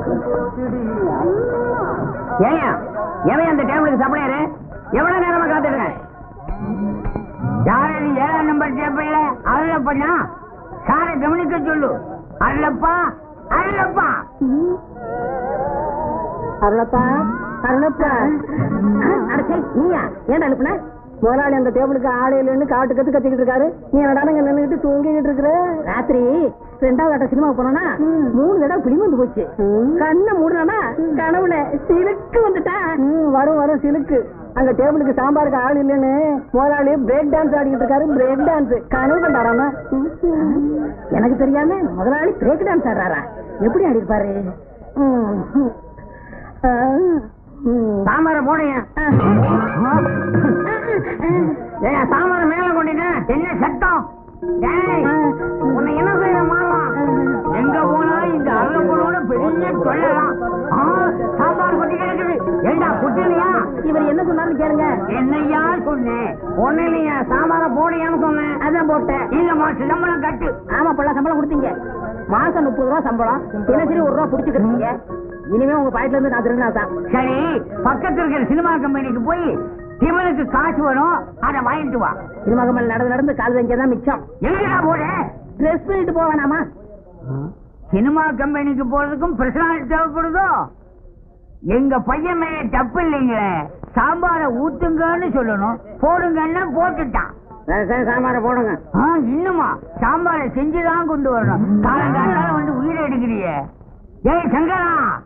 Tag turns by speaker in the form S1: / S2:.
S1: ஏன் எவன் அந்த டேபிளுக்கு சப்ளையரு? எவ்வளவு நேரமா காத்துடுங்க? யாரு 7ஆம் நம்பர் டேபிள்ல அருளப்பா? சாரை கவனிக்க சொல்லு. அருளப்பா, அருளப்பா,
S2: அருளப்பா, அருளப்பா. அடச்சே, நீயா ஏன்டா அனுப்புன? முதலாளி அந்த டேபிளுக்கு ஆளே இல்லைன்னு காட்டு கத்து கத்திக்கிட்டு இருக்காரு. நீ என்னடானங்க நின்னுகிட்டு தூங்கிக்கிட்டு இருக்கிற? ராத்திரி 2வது ஆட்ட சினிமாவுக்கு போனா 3 தடவை பிளி வந்து போச்சு. கண்ணை மூடுனா கனவுல சிலுக்கு வந்துட்டா. வரும் வரும் சிலுக்கு. அங்க டேபிளுக்கு சாம்பாருக்கு ஆள் இல்லைன்னு முதலாளி பிரேக் டான்ஸ் ஆடிக்கிட்டு இருக்காரு. பிரேக் டான்ஸ் கனவு கண்டாராமா? எனக்கு தெரியாம முதலாளி பிரேக் டான்ஸ் ஆடுறாரா? எப்படி ஆடி இருப்பாரு?
S1: சாம்பார போடுங்க. சாம்பார மேல கொண்டிட்ட என்ன சத்தம்? உன்னை என்ன செய்ய மாறலாம்? எங்க போனா இந்த அருளப்பனோட பெரிய சொல்லலாம். சாம்பார் கொட்டி கிடக்குது. ஏண்டா குட்டிலையா?
S2: இவர் என்ன சொன்னாருன்னு கேளுங்க.
S1: என்னையா சொன்னேன்? ஒண்ணு இல்லையா, சாம்பார போடையான்னு சொன்னேன்.
S2: அதான் போட்டேன்.
S1: இல்லம்மா, சம்பளம் கட்டு.
S2: ஆமா, பல்ல சம்பளம் கொடுத்தீங்க. மாசம் 30 ரூபா சம்பளம். தினசரி 1 ரூபா புடிச்சுக்கிறீங்க. இனிமே உங்க பாயிட்ல இருந்து நான் திருநா தான்.
S1: சரி, பக்கத்துல இருக்கிற சினிமா கம்பெனிக்கு போய் இவனுக்கு காசு வரும், அதை வாங்கிட்டு வா.
S2: சினிமா கம்பெனி நடந்து கால் தான் மிச்சம்.
S1: எங்கடா போற?
S2: ட்ரெஸ் பண்ணிட்டு போவேனாமா?
S1: சினிமா கம்பெனிக்கு போறதுக்கும் பிரசனாலிட்டி தேவைப்படுதோ? எங்க பையன் மேல தப்பு இல்லைங்களே. சாம்பார ஊத்துங்கன்னு சொல்லணும், போடுங்கன்னா போட்டுட்டான்.
S2: சாம்பார போடுங்க.
S1: இன்னுமா சாம்பார செஞ்சுதான் கொண்டு வரணும். காலங்காத்தால வந்து உயிரை எடுக்கிறியே. ஏய் சங்கரா,